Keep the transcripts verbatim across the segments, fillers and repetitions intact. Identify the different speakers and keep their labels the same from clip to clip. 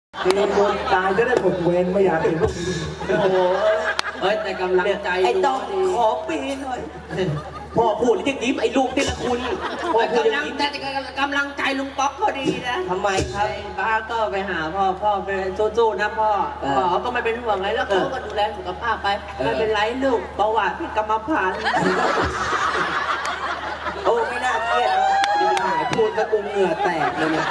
Speaker 1: มีคนตายจะได้หมดเวรไม่อยากเห็นพวกนี้
Speaker 2: โอ้โหเอ้ยแต่กำลังใจไอ้ต้องขอปีหน่อยพ่อพูดแล้วยังยิ้มไอ้ลูกนี่ละคุณพ่อพูดยังยิ้มแต่กำลังใจลุงป๊อกเขาดีนะทำไมครับป้าก็ไปหาพ่อพ่อไปสู้ๆนะพ่อพ่อเขาก็ไม่เป็นห่วงอะไรแล้วเขาก็ดูแลสุขภาพไปไม่เป็นไรลูกประวัติพี่กรรมพันธุ์โอ้ไม่น่าเครียดเลยหายพูดแล้วกูเหงื่อแตกเลยนะ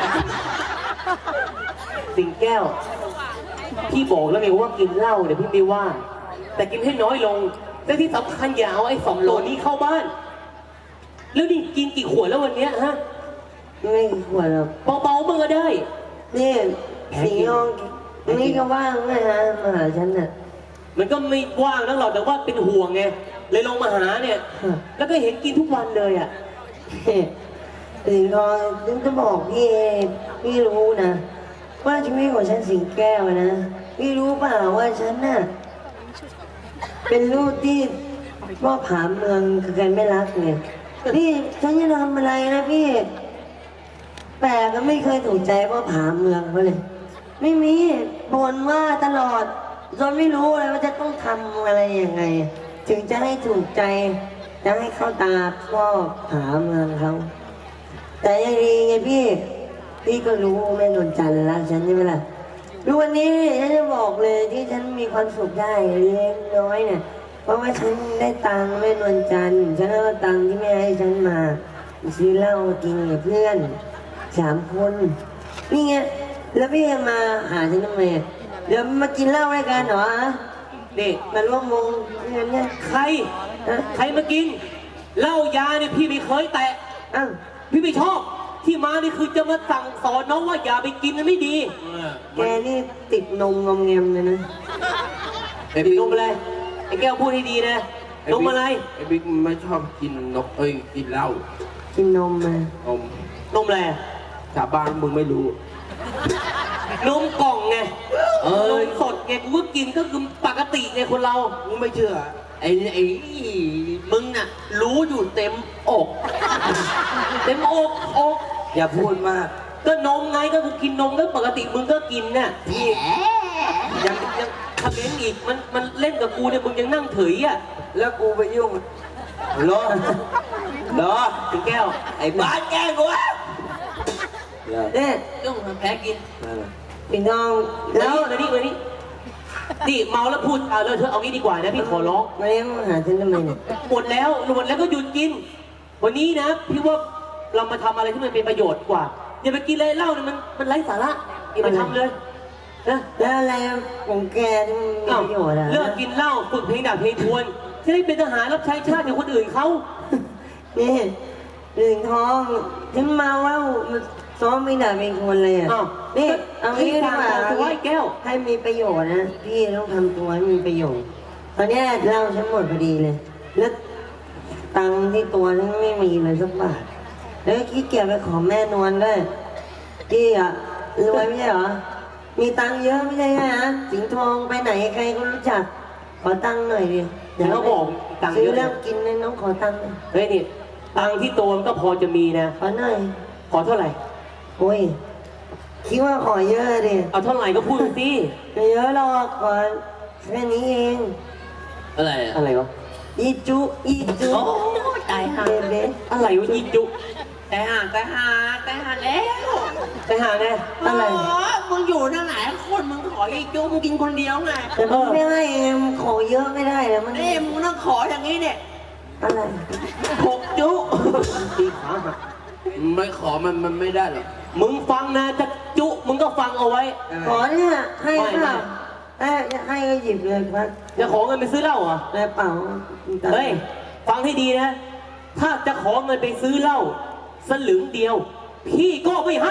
Speaker 2: สิงแก้วพี่บอกแล้วไงว่ากินเหล้าเนี่ยพี่ไม่ว่าแต่กินให้น้อยลงและที่สำคัญอย่าเอาไอ้สองโหลนี้เข้าบ้านแล้วนี่กินกี่ขวดแล้ววันเนี้ยฮะไม่ขวดหรอกเบาๆมึงก็ได้นี่สียองนี่ก็ว่างนะฮะมาหาฉันน่ะมันก็ไม่ว่างนักหรอกแต่ว่าเป็นห่วงไงเลยลงมาหาเนี่ยแล้วก็เห็นกินทุกวันเลยอ่ะสีทองฉันจะบอกพี่พี่รู้นะว่าชีวิตของฉันสิงแก้วนะพี่รู้เปล่าว่าฉันน่ะเป็นลูกที่พ่อผาเมืองคือใครไม่รักเนี่ยพี่ฉันจะทำอะไรนะพี่แปลก็ไม่เคยถูกใจพ่อผาเมืองเขาเลยไม่มีบ่นว่าตลอดจนไม่รู้เลยว่าจะต้องทำอะไรยังไงถึงจะให้ถูกใจจะให้เข้าตาพ่อผาเมืองเขาแต่ยังดีไงพี่พี่ก็รู้แม่นวลจันทร์รักฉันใช่ไหมล่ะดูวันนี้ฉันจะบอกเลยที่ฉันมีความสุขได้เล็กน้อยเนี่ยเพราะว่าฉันได้ตังค์แม่นวลจันทร์ฉันเอาตังค์ที่แม่ให้ฉันมาซื้อเหล้ากินกับเพื่อนสามคนนี่ไงแล้วพี่มาหาฉันทำไมเดี๋ยวมากินเหล้าด้วยกันเหรอเด็กมาร่วมวงเงินเนี่ยใครใครมากินเหล้ายาเนี่ยพี่ไม่เคยแตะอ้าวพี่ไม่ชอบที่มานี่คือจะมาสั่งสอนน้องว่าอย่าไปกินมันไม่ดีแกนี่ติดนมงอมแงมเลยนะติดนมอะไรไอ้แก้วพูดให้ดีนะนมอะไรไอ้บิ๊กไม่ชอบกินนกเอ้ยกินเหล้ากินนมมานมนมอะไรชาวบ้านมึงไม่รู้นมกล่องไงเออนมสดไงกูก็กินก็คือปกติไงคนเรามึงไม่เชื่อไอ้ไอ้มึงน่ะรู้อยู่เต็มอกเต็มอกอกอย่าพูดมากก็นมไงก็กูกินนมก็ปกติมึงก็กินน่ะพี่ยังยังทำเล่นอีกมันมันเล่นกับกูเนี่ยมึงยังนั่งเถยอ่ะแล้วกูไปยุ่งรอรอถึงแก้วไอ้บ้าแก้วกูอ่ะเนี่ยยุ่งแพ้กินพี่น้องแล้วมานี่มานี่นี่เมาแล้วพูดเอาเลยเธอเอางี้ดีกว่านะพี่ขอร้องมาเลี้ยงหาฉันทำไมเนี่ยหมดแล้วหมดแล้วก็หยุดกินวันนี้นะพี่ว่าเรามาทำอะไรที่มันเป็นประโยชน์กว่าอย่าไปกินเลยเหล้าเนี่ยมันมันไร้สาระอย่าไปทำเลยนะแล้วอะไรของแกที่มันมีประโยชน์อะเลิกกินเหล้าฝึกเพลงดาบเพลงทวนจะได้เป็นทหารรับใช้ชาติอย่างคนอื่นเขานี่หนึ่งท้องฉันเมาแล้วซ้อมไม่ได้เป็นคนเลยอ่ะนี่เอางี้ดีกว่าให้แก้วให้มีประโยชน์นะพี่ต้องทำตัวให้มีประโยชน์ตอนนี้เล่าฉันหมดพอดีเลยแล้วตังที่ตัวฉันไม่มีเลยสักบาทแล้วขี้เกียจไปขอแม่นวลด้วยพี่อ่ะรวยไม่ใช่เหรอมีตังเยอะไม่ใช่ฮะสิงห์ทองไปไหนใครก็รู้จักขอตังหน่อยดิเดี๋ยวเขาบอกตังเยอะแล้วกินเลยน้องขอตังเฮ้ยนี่ตังที่ตัวมันก็พอจะมีนะขอหน่อยขอเท่าไหร่โอ้ยคิดว่าขอเยอะดิเอาเท่าไหร่ก็พูดสิไม่เยอะหรอกขอแค่นี้เองอะไรอะไรวะอีจุอีจุโอ้ตายห่าอะไรวะอีจุตายห่าตายห่าตายห่าแล้วตายห่าไงอะไรมึงอยู่นั่งไหนคนมึงขออีจุมึงกินคนเดียวไงแต่มึงไม่ให้มึงขอเยอะไม่ได้แล้วมันเอ้มึงต้องขออย่างนี้เนี่ยอะไรหกจุตีขาหักไม่ขอมันมันไม่ได้หรอกมึงฟังนะจะจุมึงก็ฟังเอาไว้ขอเนี่ยให้เปล่าให้ให้ก็หยิบเลยครับจะขอเงินไปซื้อเหล้าเหรอแต่เปล่าเฮ้ยฟังให้ดีนะถ้าจะขอเงินไปซื้อเหล้าสลึงเดียวพี่ก็ไม่ให้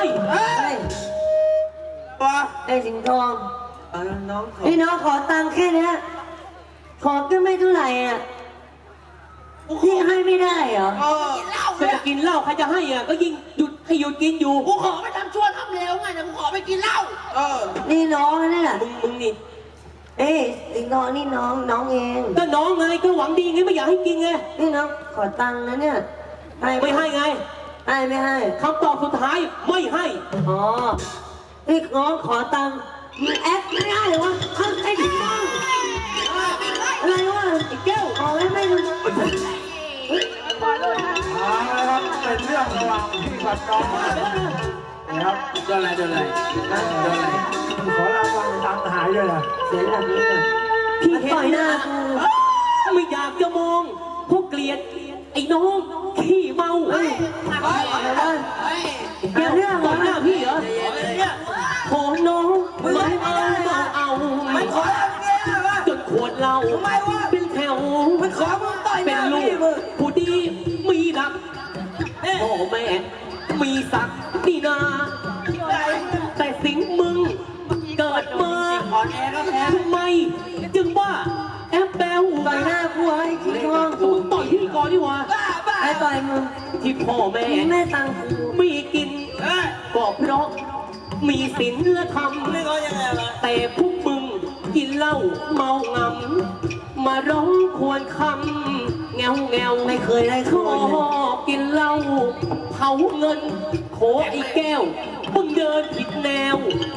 Speaker 2: ป้าไอ้สิงห์ทองน้องพี่น้องขอตังค์แค่นี้ขอก็ไม่เท่าไหร่อ่ะพี่ให้ไม่ได้เหรอใครจะกินเหล้าใครจะให้อ่ะก็ยิ่งหยุดให้หยุดกินอยู่กูขอไปทำชั่วทำเลวไงแต่กูขอไปกินเหล้าเออนี่น้องนี่แหละมึงมึงนี่เอ้ยสิงห์ทองนี่น้องน้องเองก็น้องไงก็หวังดีไงไม่อยากให้กินไงนี่น้องขอตังค์นะเนี่ยให้ไม่ให้ไงให้ไม่ให้คำตอบสุดท้ายไม่ให้อ๋อ
Speaker 3: ไอ้น้องขอตังค์มึงแอปไม่ได้เหรอวะทำไอ้พี่น้องอะไรวะไอ้แก้วขอให้ไม่รู้
Speaker 1: เอาละครับเป็นเรื่องระหว่างพี่กับน้องนะครับ
Speaker 4: โดนอะไรโดนอะไรโดนอะไร
Speaker 1: ขอรางวัลตังค์หายด้วยนะ
Speaker 3: เสียหลักนี้เลย
Speaker 2: พี่เห็น
Speaker 3: ต่อยหน้า
Speaker 2: นะ
Speaker 3: กู
Speaker 2: ไม่อยากจะมองพวกเกลียดไอ้น้องขี้เมา
Speaker 3: เฮ้ยอะไรวะ
Speaker 2: แก้วเรื่องต่อหน้าพี่เหรอขอน้องไม่เอาเอาเอาไม่ขอจนขวดเหล้าเป็นแถวมันขอมึงต่อยเป็นลูกผู้ดีมีดักพ่อแม่มีศักดิ์นี่นาแต่สิงมึงเกิดมาทำไมจึงว่าแอบแบว
Speaker 3: ต่อยหน้ากูไอ้ขี้ทอง
Speaker 2: มึงต่อยพี่ก่อนดีกว่า
Speaker 3: ไอ้ต่อยมึง
Speaker 2: ที่พ่อแม่
Speaker 3: มึงแม่ตังค์กู
Speaker 2: มีกินก็เพราะมีศีลธรรมแต่พวกมึงกินเหล้าเมางำมาร้องควรคำแงวแงว
Speaker 3: ไม่เคยได้
Speaker 2: ช
Speaker 3: ข้อ
Speaker 2: อ
Speaker 3: เลย
Speaker 2: บกินเหล้าเผาเงินโถไอ้แก้วมึงเดินผิดแนว